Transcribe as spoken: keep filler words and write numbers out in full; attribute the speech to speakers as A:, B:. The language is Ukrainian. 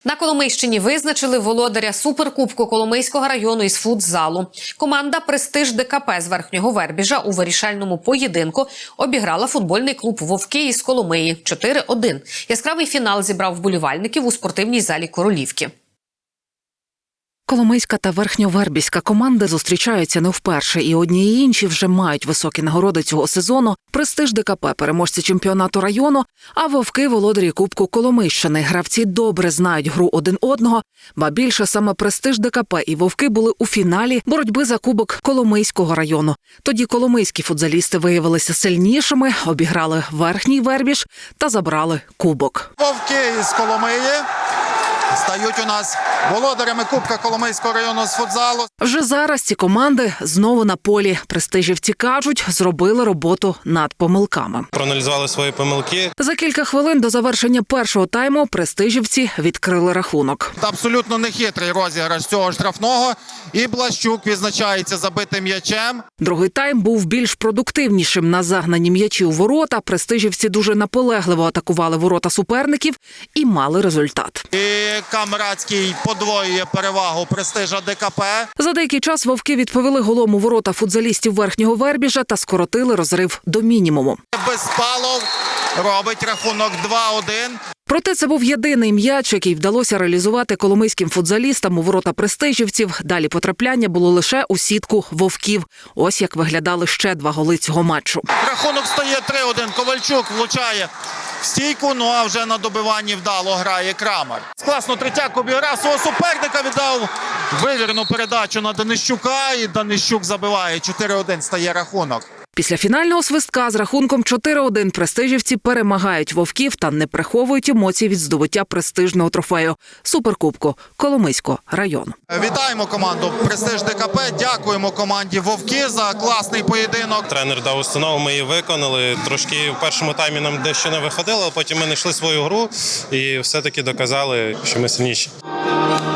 A: На Коломийщині визначили володаря суперкубку Коломийського району із футзалу. Команда «Престиж ДКП» з Верхнього Вербіжа у вирішальному поєдинку обіграла футбольний клуб «Вовки» із Коломиї чотири один. Яскравий фінал зібрав вболівальників у спортивній залі Королівки.
B: Коломийська та верхньовербіська команди зустрічаються не вперше, і одні і інші вже мають високі нагороди цього сезону. «Престиж ДКП» – переможці чемпіонату району, а «Вовки» – володарі Кубку Коломийщини. Гравці добре знають гру один одного, ба більше саме «Престиж ДКП» і «Вовки» були у фіналі боротьби за Кубок Коломийського району. Тоді коломийські футзалісти виявилися сильнішими, обіграли Верхній Вербіж та забрали Кубок.
C: «Вовки» із Коломиї стають у нас володарями Кубка Коломийського району з футзалу.
B: Вже зараз ці команди знову на полі. Престижівці кажуть, зробили роботу над помилками.
D: Проаналізували свої помилки.
B: За кілька хвилин до завершення першого тайму престижівці відкрили рахунок.
C: Абсолютно нехитрий розіграш цього штрафного. І Блащук відзначається забитим м'ячем.
B: Другий тайм був більш продуктивнішим. На загнані м'ячі у ворота престижівці дуже наполегливо атакували ворота суперників і мали результат.
C: І Камрадський подвоює перевагу «Престижа ДКП».
B: За деякий час «Вовки» відповіли голом у ворота футзалістів Верхнього Вербіжа та скоротили розрив до мінімуму.
C: Безпалов робить рахунок два один.
B: Проте це був єдиний м'яч, який вдалося реалізувати коломийським футзалістам у ворота престижівців. Далі потрапляння було лише у сітку «Вовків». Ось як виглядали ще два голи цього матчу.
C: Рахунок стає три один. Ковальчук влучає в стійку, ну а вже на добиванні вдало грає Крамар. Класно Третяк обіграв свого суперника, віддав вивірну передачу на Данищука, і Данищук забиває. чотири один стає рахунок.
B: Після фінального свистка з рахунком чотири один престижівці перемагають «Вовків» та не приховують емоцій від здобуття престижного трофею – суперкубку Коломийського району.
C: Вітаємо команду «Престиж ДКП», дякуємо команді «Вовки» за класний поєдинок.
D: Тренер дав установу, ми її виконали. Трошки в першому таймі нам дещо не виходило, а потім ми знайшли свою гру і все-таки доказали, що ми сильніші.